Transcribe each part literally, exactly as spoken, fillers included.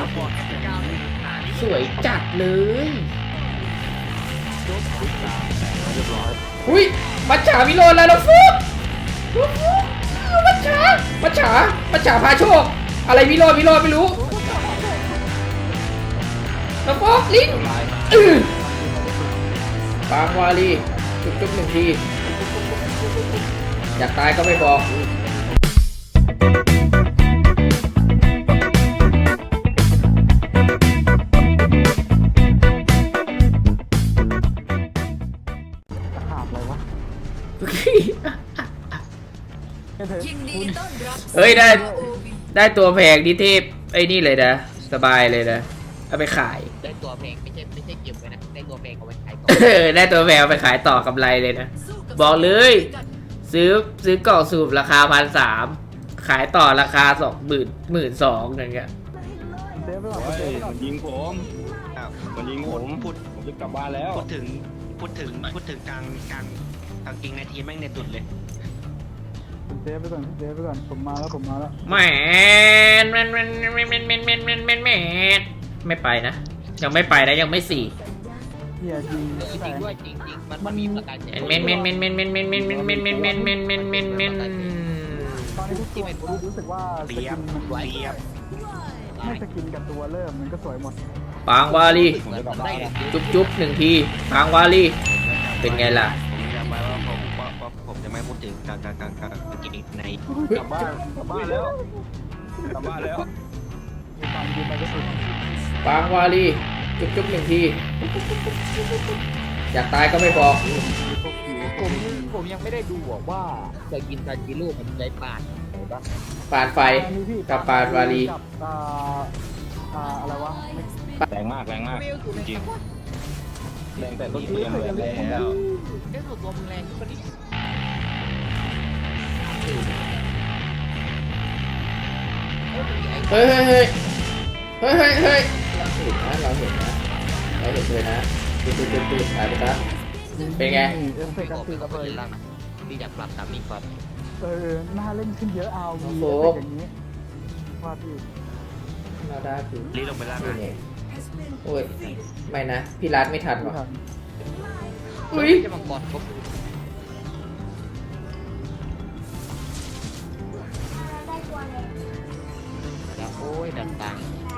สวยจัดเลยอุ้ยมัจฉาวิโรจน์แล้วนะฟุ๊กมัจฉามัจฉามัจฉาพาโชคอะไรวิโรจน์วิโรจน์ไม่รู้นะฟุ๊กลิงปางวาลีจุ๊บจุ๊บหนึ่งทีอยากตายก็ไม่บอกเฮ้ยได้ได้ตัวแพงดิเทพไอ้นี่เลยนะสบายเลยนะเอาไปขายได้ตัวแพงไม่ใช่ไม่ใช่เก็บไว้นะได้ตัวแพงเอาไปขายต่อได้ตัวแพงเอาไปขายต่อกำไรเลยนะบอกเลยซื้อซื้อกล่องสูบราคาพันสามขายต่อราคาสองหมื่นหมื่นสองอย่างเงี้ยมันยิงผมมันยิงผมพูดผมจะกลับบ้านแล้วพูดถึงพูดถึงพูดถึงกลางกลางกลางกิงในทีมแม่งในตุดเลยเซฟไปก่อนเซฟไปก่อนผมมาแล้วผมมาแล้วแมนแมนแมนแมนแมนแมนแมนแมนแมนแมนไม่ไปนะยังไม่ไปนะยังไม่สี่เฮียจริงจริงด้วยจริงจริงมันมันมีประกาศแมนแมนแมนแมนแมนแมนแมนแมนแมนแมนแมนแมนแมนแมนแมนตอนนี้ทุกตัวรู้สึกว่าสกินมันสวยไม่สกินกับตัวเริ่มมันก็สวยหมดปางวาลีจุ๊บจุ๊บหนึ่งทีปางวาลีเป็นไงล่ะผมจำไว้ว่าผมว่าผมจะไม่พูดถึงกลางกลางกลางกลางกิงในกลับบ้านกลับบ้านแล้วกลับบ้านแล้วตามยืนไปก็สุดปางวาลีจุ๊บจุ๊บหนึ่งทีอยากตายก็ไม่บอกผมผมยังไม่ได้ดูว่าจะกินซาจิโร่มันใจปานไหนบ้างปานไฟกับปานวาลีกับอ่าอ่าอะไรวะแรงมากแรงมากจริงแรงแต่ต้นเกมเลยแล้วเรื่องตัวมึงแรงขึ้นมาดิเฮ้ยเฮ้ยเฮ้ยเฮ้ยเฮ้ยเฮ้ยเราเห็นนะเราเห็นนะเราเห็นเลยนะตื่นตื่นตื่นตื่นหายไปซะเป็นไงไม่บอกพี่ก็ไม่เล่นแล้วนะพี่อยากปรับตามนี้ก่อนเออน่าเล่นขึ้นเยอะเอาวีอย่างนี้ว่าพี่น่าได้คือรีลงไปล่างนะโอ้ยไม่นะพี่รัดไม่ทันว่ะอุ้ยจะมังกรครบแล้วโอ้ยดันตัง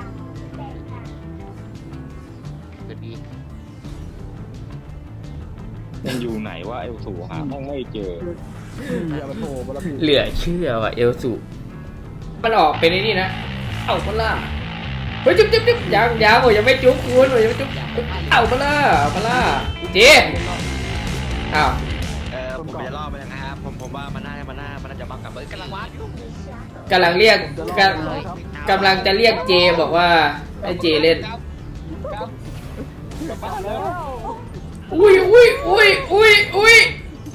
จะดีมันอยู่ไหนวะเอลสูหาห้องไม่เจอเหลือเชื่อว่ะเอลสูมันออกเป็นไอ้นี่นะเอามาล่าเฮ้ยจุ๊บจุ๊บจุ๊บยังยังโอ้ยยังไม่จุ๊บคุณโอ้ยยังไม่จุ๊บเอามาล่าเอามาล่าเจ๊อ้าวเออผมจะล่อไปนะครับผมผมว่ามันน่ามันน่ามันน่าจะบังกับเบิร์ดกำลังวัดกำลังเรียกกำลังจะเรียกเจบอกว่าให้เจเล่นอุ้ยอุ้ยอุ้ยอุ้ยอุ้ย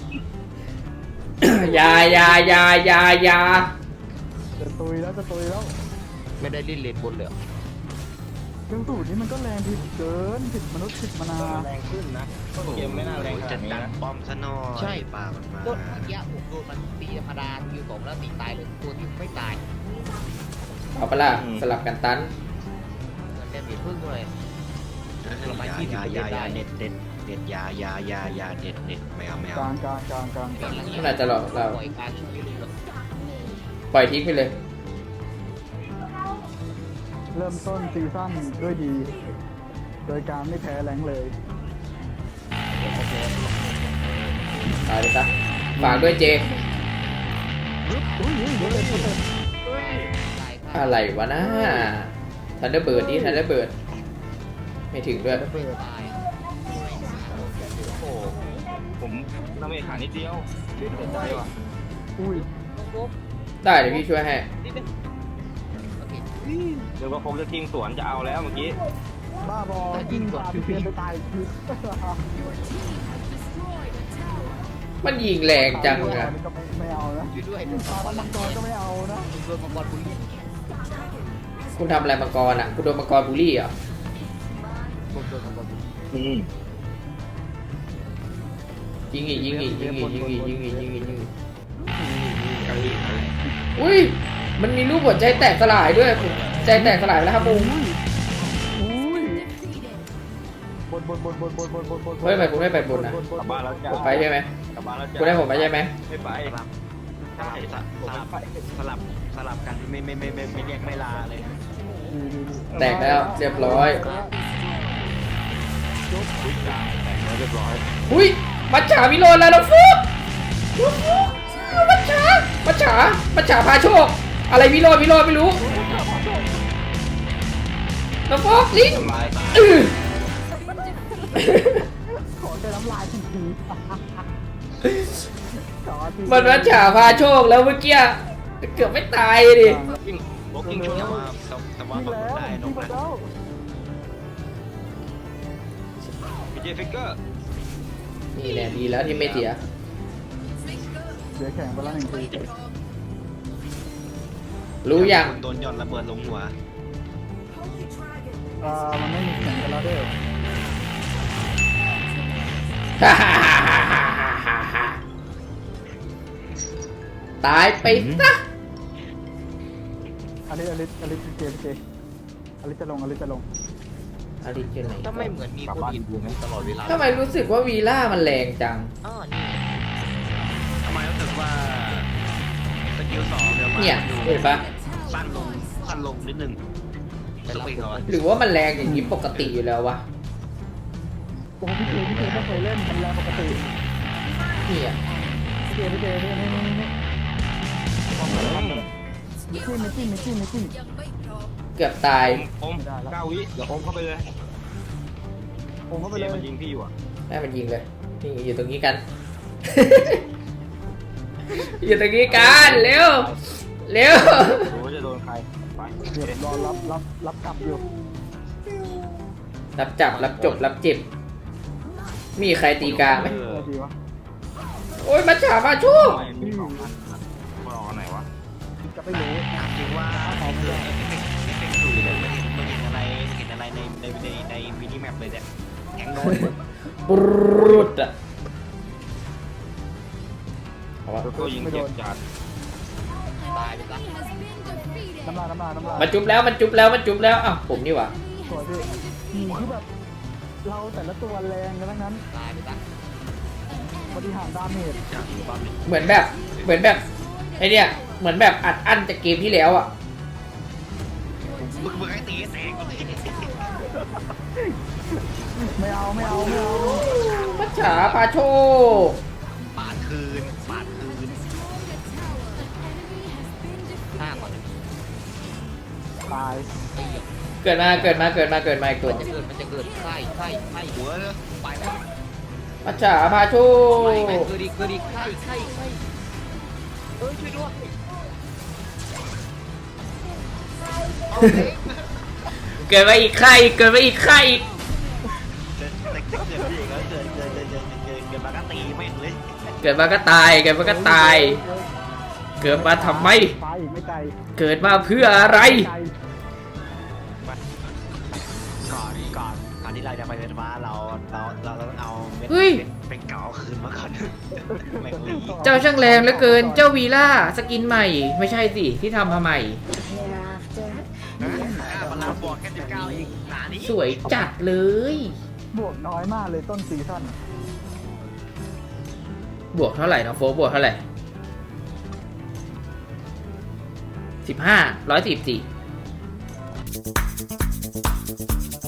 ยายายายายาจะตุยแล้วจะตุยแล้วไม่ได้ลิ้นเลนบนเลยเรื่องสูตรนี้มันก็แรงผิดเกินผิดมนุษย์ผิดมนาแรงขึ้นนะเกมไม่น่าแรงขนาดนี้นะป้อมซะหน่อยใช่ป่ามันมาต้นเมื่อกี้ผมโดนมันตีธรรมดาอยู่สองแล้วตีตายเลยตัวที่ไม่ตายเอาไปละสลับกันตันมันจะมีพึ่งด้วยยายายาเน็ตเด็ดเด็ดยายายายาเด็ดเด็ดไม่เอาไม่เอากลางกลางกลางกลางมันอาจจะหลอกเราปล่อยการปล่อยทิ้งไปเลยเริ่มต้นซีซั่นด้วยดีโดยการไม่แพ้แรงเลยตายเลยซะฝากด้วยเจอะไรวะนะทันเดอร์เบิร์ดนี่ทันเดอร์เบิร์ดไม่ถึงด้วยโอ้ผมน้ำเมฆขานิดเดียวเล่นเกินใจว่ะอุ้ยได้เดี๋ยวพี่ช่วยให้เดี๋ยวก็คงจะทิ้งสวนจะเอาแล้วเมื่อกี้บ้าบอยิงก่อนเพียนไปตายมันยิงแรงจังอะไม่เอานะด้วยมังกรก็ไม่เอานะโดนมังกรบุลี่คุณทำอะไรมังกรอ่ะคุณโดนมังกรบูลลี่เหรอยิงอีกยิงอีกยิงอีกยิงอีกยิงอีกยิงอีกยิงอีกอุ้ยมันมีรูปหัวใจแตกสลายด้วยใจแตกสลายแล้วครับมุงบนบนบนบนบนบนบนเฮ้ยทำไมกูไม่ไปบนนะบนกลับบ้านแล้วจ้าผมไปใช่ไหมกลับบ้านแล้วจ้ากูได้ผมไปใช่ไหมไม่ไปสลับใช่สลับสลับสลับสลับกันไม่ไม่ไม่ไม่ไม่เรียกไม่ลาเลยแตกแล้วเรียบร้อยเรียบร้อยอุ้ยมัจฉาวิโรจน์แล้วน้องฟุ๊กน้องฟุ๊กมัจฉามัจฉามัจฉาพาโชค อะไรวิโรจน์วิโรจน์ไม่รู้น้องฟุ๊กลิงอื้อขอแต่น้ำลายทีทีขอทีมันมัจฉาพาโชคแล้วเมื่อกี้เกือบไม่ตายดิกิ้งบล็อกกิ้งช่วยแต่มาว่าแต่ว่าที่ผมแล้วได้นที่กมานะแล้วพีเจฟิกเกอร์นี่แหละดีแล้วที่ไม่เสียเดี๋ยวแข่งไปแล้วหนึ่งทีรู้ยังโดนหย่อนระเบิดลงหัวเอ่อมันไม่มีแข่งกันแล้วเด้อตายไปซะอลิสอลิสอลิสเจเจอลิสจะลงอลิสจะลงอาริเจนไหนถ้าไม่เหมือนมีคนอินบูมตลอดเวลาทำไมรู้สึกว่าวีล่ามันแรงจังอ๋อนี่ทำไมรู้สึกว่าสกิลสองเดี๋ยวมาเนี่ยดูเห็นปะสั้นลงสั้นลงนิดนึงสปีดก่อนหรือว่ามันแรงอย่างนี้ปกติอยู่แล้ววะโอ้พี่เจพี่เจไม่เคยเล่นมันแรงปกติเนี่ยพี่เจพี่เจนี่นี่นี่นี่มิจิ้มมิจิ้มมิจิ้มมิจิ้มเกือบตายอมเก้าวิเดี๋ยวอมเข้าไปเลยผมเข้าไปเจเลยมันยิงพี่อยู่อ่ะแม่มันยิงเลยนี่อยู่ตรงนี้กัน อยู่ตรงนี้กันเร็วเร็วดูว่าจะโดนใครไปเดี๋ยวรอรับรับรับกลับอยู่รับจับรับจบรับเจ็บ มีใครตีกลางไหมเอออะไรดีวะโอ้ยมัจฉามาชูทำไมมีสองอันมันออกอันไหนวะจะไม่รู้ถามจริงว่าเอฟเฟกต์เอฟเฟกต์เอฟเฟกต์สูตรมันเห็นมันเห็นอะไรเห็นอะไรในในในในมินิแมปเลยเนี่ยแข็งโดนปรุดอะเอาวะก็ยิงเจ็บจัดตายไปซะน้ำลายน้ำลายน้ำลายมันจุบแล้วมันจุบแล้วมันจุบแล้วอ้าวผมนี่หว่าสวยพี่อืมคือแบบเราแต่ละตัวแรงกันทั้งนั้นตายไปซะบริหารดาเมจจากบ้านเลยเหมือนแบบเหมือนแบบไอเนี่ยเหมือนแบบอัดอั้นจากเกมที่แล้วอะมึงมึงให้ตีให้แตกก่อนเลยไม่เอาไม่เอาไม่เอามัจฉาพาโชคปาดคืนปาดคืนห้าก่อนตายเกิดมาเกิดมาเกิดมาเกิดมาอีกตัวมันจะเกิดมันจะเกิดไส้ไส้ไส้หัวเลยไปแล้วมัจฉาพาโชไม่คไม่เกิดอีกเกิดอีกไส้ไส้ไส้เอ้ยช่วยด้วยเกิดมาอีกใครเกิดมาอีกใครอีกเกิดเกิดเกิดเกิดเกิดเกิดเกิดเกิดเกิดเกิดเกิดมาก็ตีแม่งเลยเกิดมาก็ตายเกิดมาก็ตาย เกิดมาทำไมตายอีกไม่ไกลเกิดมาเพื่ออะไรไกลก่อนก่อนก่อนที่เราจะไปเป็นฟ้าเราเราเราต้องเอาเม็ดเฮ้ยเป็นเก่าคืนมาก่อนแม่งลีเจ้าช่างแรงเหลือเกินเจ้าวีล่าสกินใหม่ ไม่ใช่สิที่ทำมาใหม่พลังบวกแค่สิบเก้าอีกหนานี้สวยจัดเลยบวกน้อยมากเลยต้นซีซั่นบวกเท่าไหร่น้องโฟกบวกเท่าไหร่สิบห้าร้อยสิบสี่